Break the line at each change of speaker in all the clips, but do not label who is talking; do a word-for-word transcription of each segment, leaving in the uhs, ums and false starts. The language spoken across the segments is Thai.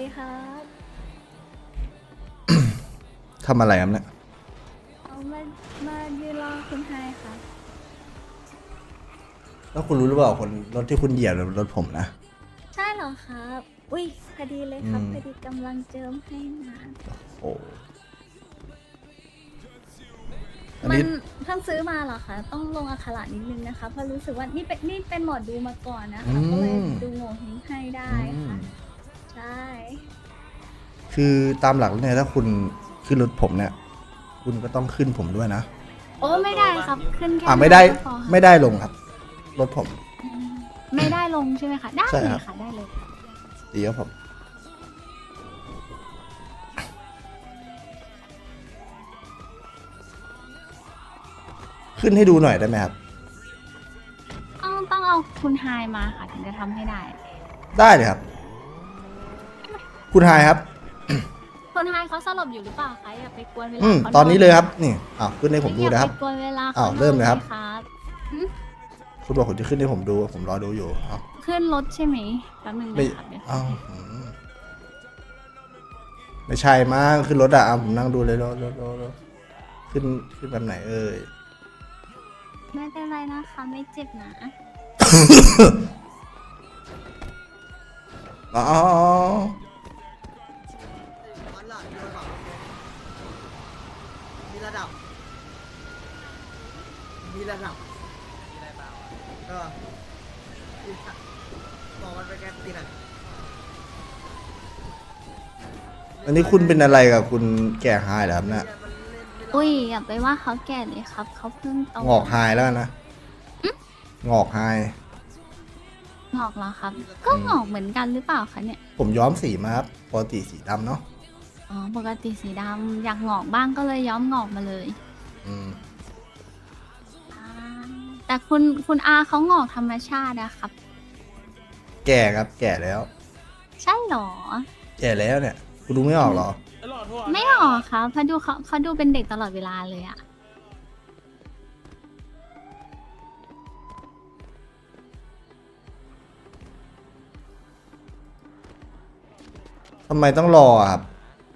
ดีครับ
ทำอะไรครับเนี่ย
เอามามายืนรอคุณไฮค่ะ
แล้วคุณรู้หรือเปล่าคนรถที่คุณเหยียบรถผมนะ
ใช่เหรอครับ อุ้ยพอดีเลยครับพอดีกำลังเจิมให้มา
โอ้อัน
มั
นี้
นเพิ่งซื้อมาเหรอคะต้องลงอักขระนิดนึงนะคะเพราะรู้สึกว่านี่เป็นนี่เป็นหมอดูมาก่อนนะคะก็เลยดูโง่เฮงให้ได้ค่ะใช่
คือตามหลักแล้วเนี่ยถ้าคุณขึ้นรถผมเนี่ย คุณก็ต้องขึ้นผมด้วยนะ
โอ้ไม่ได้ครับขึ้นแค่
อ่าไม่ได้
ก็พอค่ะ
ไม่ได้ลงครับ รถผม
อืมไม่ได้ลงใช่ไหมคะได้
ใช่
เล
ครั
ย
บ
ค่ะได้เลย
ดีครับผม ขึ้นให้ดูหน่อยได้ไหมครับ
ต้องต้องเอาคุณไฮมาค่ะถึงจะทำให้ได้
ได้เลยครับ คุณไฮครับ
คนไฮเขาสลบอยู่หรือเปล่าคะอย่าไปกวนเวลา
อืม
ขา
ตอนนี้เลยครับ นี่อ้าวขึ้นให้ผมดูนะครับ
อย่าไปกวนเวลา
อ้าว
ขา
เริ่มเลยครับ
ครับ
คุณบอกคุณจะขึ้นให้ผมดู ผมรอดูอยู่อ้าว
ขึ้นรถใช่ไหมแป๊บนึง
ไม่
นะครับเดี๋ยว
อ้าวอืมไม่ใช่มั้งขึ้นรถอะอ่ะผมนั่งดูเลยรถรถรถรถขึ้นขึ้นแบบไหนเอ่ย
ไม่เป็นไรนะคะไม่เจ็บนะ
อ๋อ
มีระดับ มีระดับมีอะไรเปล่าเออบอกมันไปแกตีน่ะ
อันนี้คุณเป็นอะไรกับคุณแก่ไฮเหรอครับเนี่ย
อุ้ยอย่าไปว่าเขาแก่เลยครับเขาเพิ่งโต
งอกไฮแล้วกันนะงอกไฮ
งอกเหรอครับ ก็งอกเหมือนกันหรือเปล่าคะเนี่ย
ผมย้อมสีมาครับปกติสีดำเนาะ
อ๋อปกติสีดำอยากงอกบ้างก็เลยย้อมงอกมาเลย
อืม
อ่าแต่คุณคุณอาเขางอกธรรมชาติอะครับ
แก่ครับ แก่แล้ว
ใช่เหรอ
แก่แล้วเนี่ย คุณดูไม่ออกเหรอ
ไม่หรอกครับเพราะดูเขาเขาดูเป็นเด็กตลอดเวลาเลยอะ
ทำไมต้องรออะครับ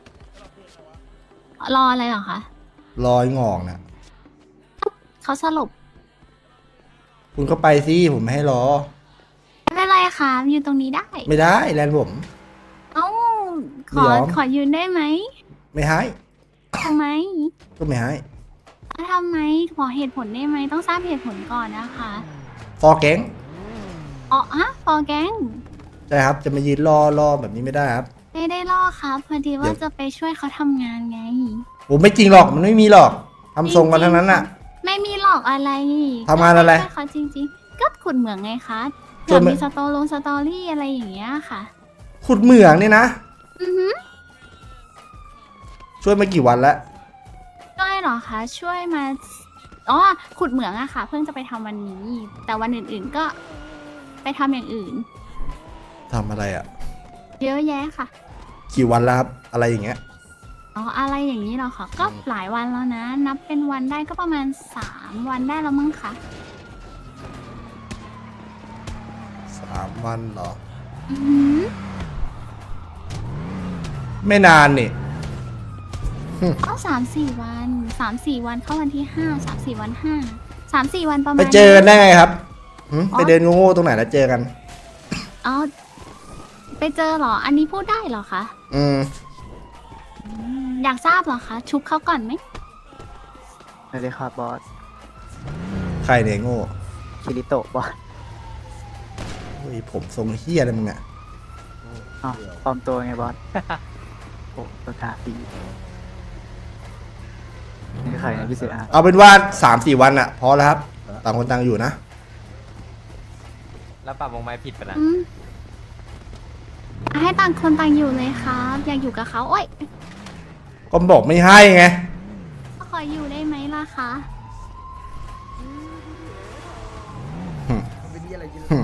รออะไรเหรอคะ
รอยงอกเนี่ย
เขาสลบ
คุณก็ไปสิผมไม่ให้รอ
ไม่เป็นไรค่ะยืนตรงนี้ได้
ไม่ได้แลนผม
เอ้าข
ไม่
อย
อม
ขอยืนได้ไหม
ไม่ให้
ทำไม
ก็ไม่ให้
อ่ะทำไมขอเหตุผลได้ไหมต้องทราบเหตุผลก่อนนะคะ
ฟอร์แก๊ง
อ๋อฮะฟอร์แกง
ใช่ครับ จะมายืนรอรอแบบนี้ไม่ได้ครับ
ไม่ได้ล่อครับพอดี
เดี๋
ว่า
ยว
จะไปช่วยเขาทำงานไง
ผมไม่จริงหรอก มันไม่มีหรอกทำทรงกันทั้งนั้นน่ะ
ไม่มีหลอกอะไร
ทำงานอะไร
ก็ช่วยเขาจริงๆ ก็ขุดเหมืองไงคะ
ช่
เผื่
ว
อย
ไหม
มีสตอลงสตอรี่อะไรอย่างเงี้ยค่ะ
ขุดเหมืองนี่นะ
อือหือ
ช่วยมากี่วันแล้ว
ช่วยเหรอคะช่วยมาอ๋อขุดเหมืองอะค่ะ เพิ่งจะไปทำวันนี้ แต่วันอื่นๆก็ไปทำอย่างอื่น
ทำอะไรอ่ะ
เยอะแยะค่ะ
กี่วันแล้วครับ อะไรอย่างเงี้ย
อ๋ออะไรอย่างนี้เหรอคะก็หลายวันแล้วนะ นับเป็นวันได้ก็ประมาณสามวันได้แล้วมั้งคะ
สามวันเหรอ
อือหือ
ไม่นานนี่
ก็สามสี่วันสามสี่วันเข้าวันที่ห้าสามสี่วันห้าสามสี่วันประมาณ
ไปเจอกันได้ไงครับหึ
อ๋อ
ไปเดินโง่ๆตรงไหนแล้วเจอกัน
อ๋อไปเจอเหรอ อันนี้พูดได้เหรอคะ
อืม
อืมอยากทราบเหรอคะ ชุบเขาก่อนไหม
สวัสดีครับบอส
ใครเนี่ยโง่
คิริโตะบอส
เฮ้ยผมทรงเฮียอะไรมึงอ่ะ
อ๋อปลอมตัวไงบอส โอ้ตัวทาปีนี่ใครนะพี่เสือ
เอาเป็นว่าสามสี่วันอะพอแล้วครับ ต่างคนต่างอยู่นะ
แล้วปรับวงไม้ผิดไปนะ
อืมให้ต่างคนต่างอยู่เลยครับ อยากอยู่กับเขาโอ้ย
ก็บอกไม่ให้ไง
ขออยู่ได้ไหมล่ะคะ
เป็นนี่อะไรกิน
หึ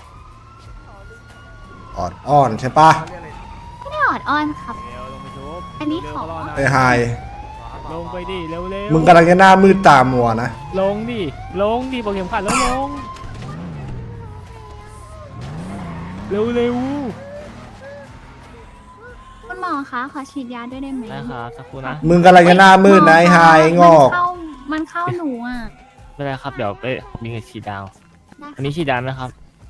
ออดอ้อนใช่ปะ
ไม่ได้ออดอ้อนครับ
เร็วลงไปชุบ
อันนี้ขอ
เร็วก็รหน่ย
ไอ้ไฮ
ลงไปดิเร็วเร็ว
มึงกำลังจะหน้ามืดตามัวนะ
ลงดิลงดิบอกเข็มขัดแล้วลงเร็วเร็ว
คะขอฉีดยาด้วยได้ไหม
ได้ครับสักครู่นะ
มึงกำลังจะหน้ามืดนะไอ้หายไอ้งอก
มันเข้ามันเข้าหนูอ่ะ
ไม่เป็นไรครับเดี๋ยวไปมีเงินฉีดดาว
ได้
อันนี้ฉีดดาวไหมครับ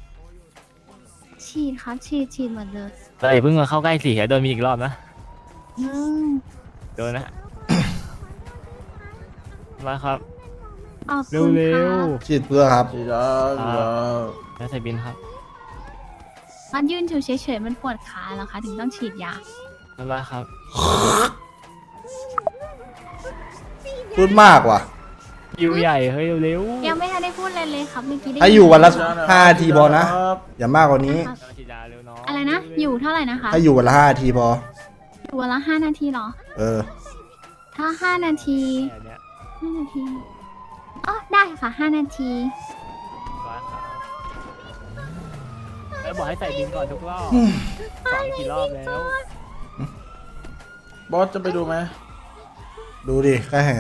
ฉีดครับฉีดฉีดหมดเลย
เราอย่าเพิ่งมาเข้าใกล้สิเดี๋ยวโดนมีอีกรอบนะ
อืม
โดนนะ มาครับ
ขอบคุณ
เร็
ค่ะ
ว
ฉีดเพื่อครับ
ๆแล้วใส่บินครับ
มันยืนอยู่เฉยๆมันปวดขาเหรอคะถึงต้องฉีดยา
ไม่เป็นไรครับ
พูดมากว่ะ
ยิวใหญ่เฮ้ยเร็วๆ
ยังไม่ทันได้พูดเลยเลยครับเมื่อกี้ได้
ให้อยู่วันละห้านาทีพอนะ อย่ามากกว่านี้
ครับ
ฉีดยาเร็วน้อง
อะไรนะ อยู่เท่าไหร่นะคะ
ให้อยู่วันละห้านาทีพอ
อยู่วันละห้านาทีเหรอ
เออ
ถ้าห้านาที
แค่เนี้ย
ห้านาทีอ๋อได้ค่ะห้านาที
ร้อยครับแล้วบอกให้ใส่บินก่อนทุกรอบสองกี่รอบแล้ว
บอสจะไปดูไหม
ดูดิแค่แห่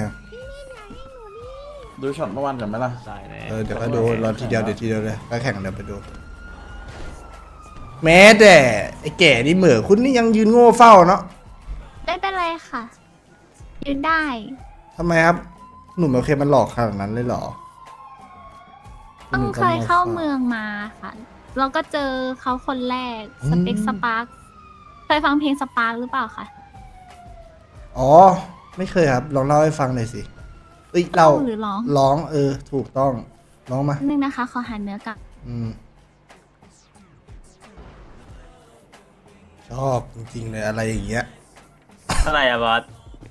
ดูช็อตเมื่อวานกันไหมล่ะ
ได้แน่
เออเดี๋ยวก็ดูรอทีเดียวเดี๋ยวทีเดียวเลยแค่แข่งเดี๋ยวไปดู แม้แต่ไอ้แก่นี่เหมือคุณนี่ยังยืนโง่เฝ้าเนาะ
ไม่เป็นไรค่ะ ยืนได้
ทำไมครับ หนุ่มโอเคมันหลอกขนาดนั้นเลยเหรอ
ต้องเคยเข้าเมืองมาค่ะ เราก็เจอเขาคนแรกสเต็กสปาร์คเคยฟังเพลงสปาร์คหรือเปล่าคะ
อ๋อ ไม่เคยครับ ลองเล่าให้ฟังหน่อยสิเอ้ยเรา
หรือร้อง
ร้องเออ ถูกต้องร้องมา
นึงนะคะ ขอหาเนื้อกับ
อืม ชอบจริงๆเลยอะไรอย่างเงี้ย
เท่าไหร่อะบอส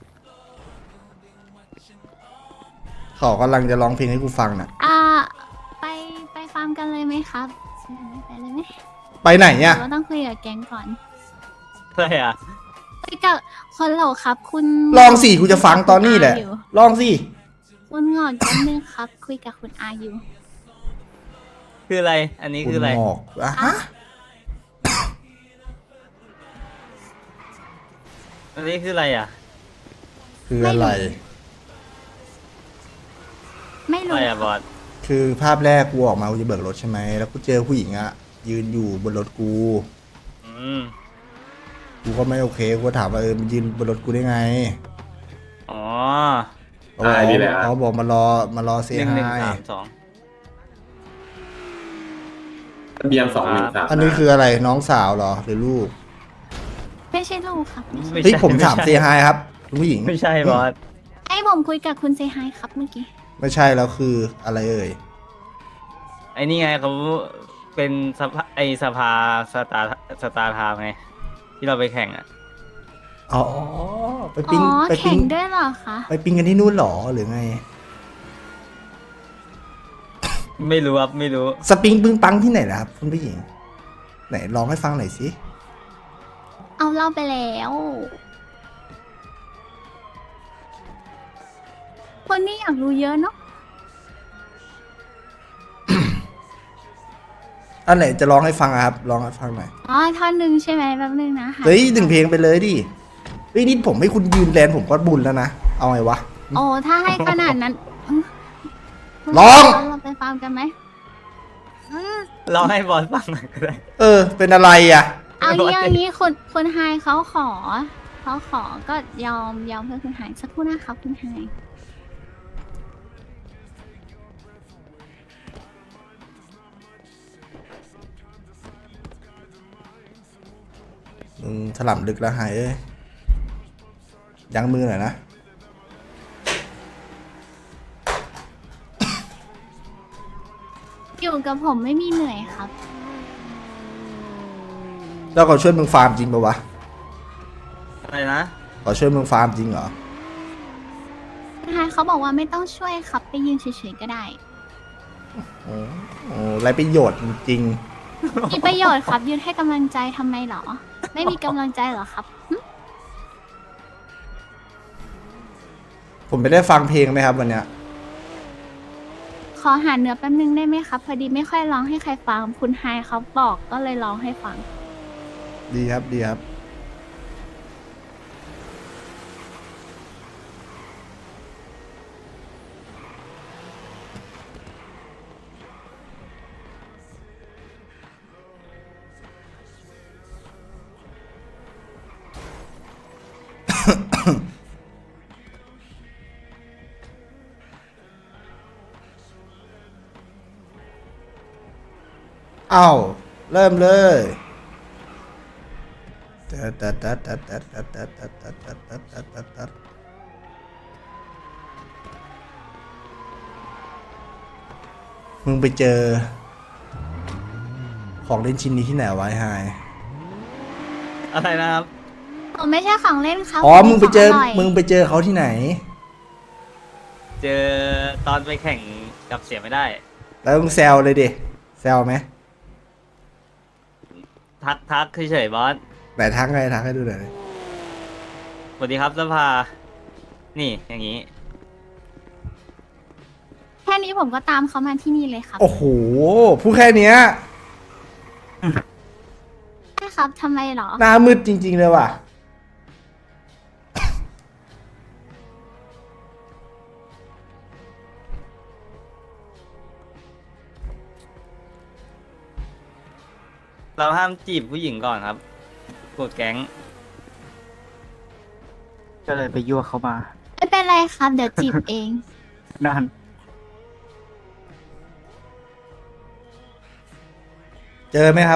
เขากำลังจะร้องเพลงให้กูฟังน่ะ
อ่า ไปไปฟาร์มกันเลยไหมครับไปเลยไหม
ไปไหนเนี่ย
เราต้องคุยกับแก๊งก่อน
เท่าไหร่อะ
คุยกับคนเหล่าครับ คุณ
ลองสิกูจะฟังตอนนี้แหละ
คุณอาอยู่
ลองสิ
คุณหงอกแป๊บนึงครับ คุยกับคุณอาอยู่
คืออะไร อันนี้คืออะไร
ณหมอกอะฮะ
อันนี้คืออะไรอะ
คืออะไร
ไม่
อะ
รู้
ไรอะบอส
คือภาพแรกกูออกมากูจะเบิกรถใช่ไหม แล้วกูเจอผู้หญิงอะยืนอยู่บนรถกู
อืม
กูก็ไม่โอเค กูก็ถามว่าเออมันยืนบนรถกูได้ไง
อ๋อ
เขาบอก
อ่านี่แหละ
เขาบอกมารอมารอเซ
หนึ่ง
ฮา
หนึ่ง
ย
สามสอง
ทะเบียนสองหนึ่งสาม
อันนี้คืออะไรน้องสาวเหรอหรือลูก
ไม่ใช่ลูกครับไม่ใช่
ไม่
เฮ้ย
ใช่
ผมถาม
ไใช่
เซฮายครับคุณผู้หญิง
ไม่ใช่บอส
ไอ้ผมคุยกับคุณเซฮายครับเมื่อกี้
ไม่ใช่แล้วคืออะไรเอ่ย
ไอ้นี่ไงเขาเป็นสภาไอสภาสตาร์สตาร์ไทม์ไง ที่เราไปแข่งอะ
อ๋อไป
อ๋
ปิ้ง
อ
ไป
แข่
ปิ้
ง
ง
ด้วยเหรอคะ
ไปปิ้งกันที่นู่นเหรอหรือไง
ไม่รู้ครับไม่รู้
สปริงปึ้งปังที่ไหนล่ะครับคุณผู้หญิง ไหนลองให้ฟังหน่อยสิ
เอาเล่าไปแล้ว คนนี้อยากรู้เยอะเนาะ
อันไหนจะร้องให้ฟังอะครับร้องให้ฟังหน่อย
อ๋อท่อนหนึ่งใช่ไหมแป๊บนึงนะคะ
เฮ้ยถึงเพลงไปเลยดิเฮ้ยนี่ผมให้คุณยืนแลนผมก็บุญแล้วนะ เอาไงวะ
โอ้ถ้าให้ขนาดนั้นอืม
ร้อง
เราไปฟาร์มกันไหมอืม
ลองให้บอสฟังหน่อยก็ได้
เออ เป็นอะไรอ่ะ
เอา
ร้อง
งี้
ดิ
เอางี้คุณคุณไฮเขาขอเขาขอก็ยอมยอมเพื่อคุณไฮสักครู่นะครับคุณไฮ
มึงถล่ำลึกแล้วหายเอ้ยยั้งมือหน่อยนะ
อยู่กับผมไม่มีเหนื่อยครับ
แล้วเขาช่วยมึงฟาร์มจริงปะวะ
อะไรนะ
เขาช่วยมึงฟาร์มจริงเหรอ
คุณไฮเขาบอกว่าไม่ต้องช่วยครับไปยืนเฉยๆก็ได้
โอ้โหไรประโยชน์จริง
มีประโยชน์ครับยืนให้กำลังใจทำไมเหรอ ไม่มีกำลังใจเหรอครับหึ
ๆผมไม่ได้ฟังเพลงไหมครับวันเนี้ย
ขอหาเนื้อแป๊บนึงได้ไหมครับ พอดีไม่ค่อยร้องให้ใครฟัง คุณไฮเขาบอกก็เลยร้องให้ฟัง
ดีครับดีครับเอ้าเริ่มเลยตัดตัดตัดตัดตัดตัดตัดตัดตัดตัดตัดตัดตัดตัดมึงไปเจอ ของเล่นชิ้นนี้ที่ไหนวะไอ้ไฮ
อะไรนะครับ
ผมไม่ใช่ของเล่นครับ
อ๋อมึงไปเจอ
ขร่ย
มึงไปเจอเขาที่ไหน
เจอตอนไปแข่งกับเสียไม่ได้
แล้วมึงแซวเลยดิแซวไหม
ทักทักเฉยๆบอส
แต่ทักไงทักให้ดูหน่อยดิ
สวัสดีครับสภา นี่อย่างนี้
แค่นี้ผมก็ตามเขามาที่นี่เลยครับ
โอ้โหพูดแค่เนี้ย
ใช่ครับทำไมเหรอ
หน้ามืดจริง ๆ เลยว่ะ
เราห้ามจีบผู้หญิงก่อนครับกดแก๊ง
ก็เลยไปยั่วเขามา
ไม่เป็นไรครับ เดี๋ยวจีบเอง
นั่น
เจอไหมครับ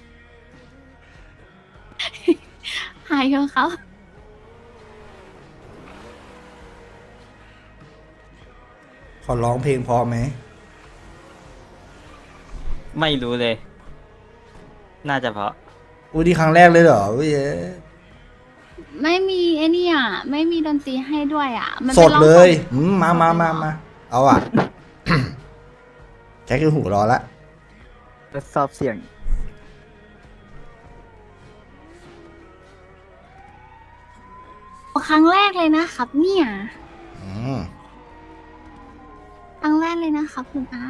หายเถอะครับ
ขอร้องเพลงพอไหม
ไม่รู้เลย น่าจะเพราะ
อู้ที่ครั้งแรกเลยเหรอเว้ย
ไม่มีไอ้นี่อ่ะ ไม่มีดนตรีให้ด้วยอ่ะ มัน
ส
ป็
ด
นร้อง
เลย
สด
อืมมามามามาเอาอ่ะ แค่คือหูรอละ
ทดสอบเสียง
ครั้งแรกเลยนะครับ เนี่ย
อืม
ครั้งแรกเลยนะครับคุณอา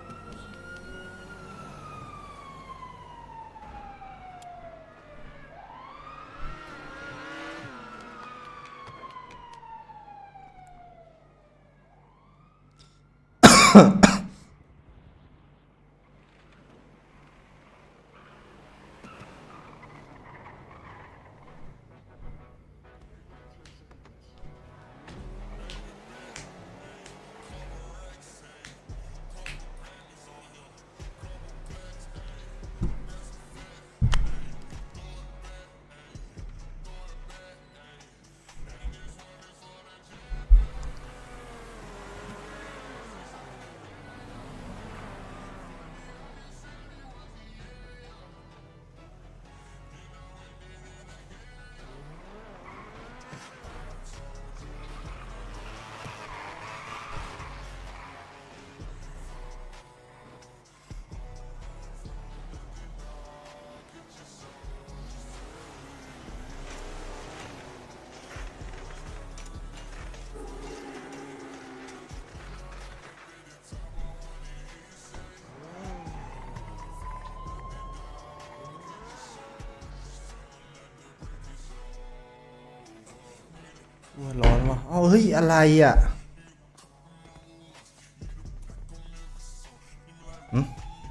ว่าร้อนว่ะเอ้าเฮ้ย อะไรอ่ะหืม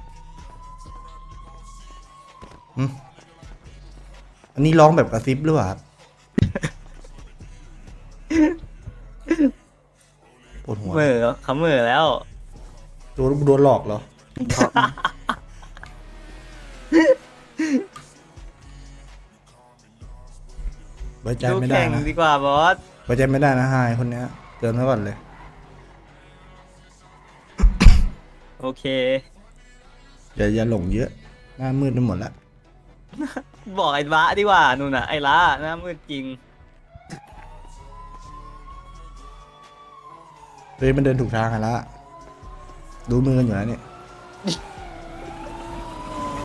หืมอันนี้ร้องแบบกระซิบหรือเปล่าครับ ปวดหัว
เหมื่อเขาเหมื่อแล้ว
โดนโดนหลอกเหรอ ไว้ใจ
ดู
ไม่ได้
แข่ง
นะ
ดีกว่าบอส
ไว้ใจไม่ได้นะไฮคนเนี้ยเตือนไว้ก่อนเลย
โอเค
อย่าอย่าหลงเยอะ หน้ามืดไปหมดแล้ว
บอกไอ้ละดีกว่านู่นน่ะไอ้ละหน้ามืดจริง
เฮ้ยมันเดินถูกทางกันละดูมือกันอยู่แล้วเนี่ย
เ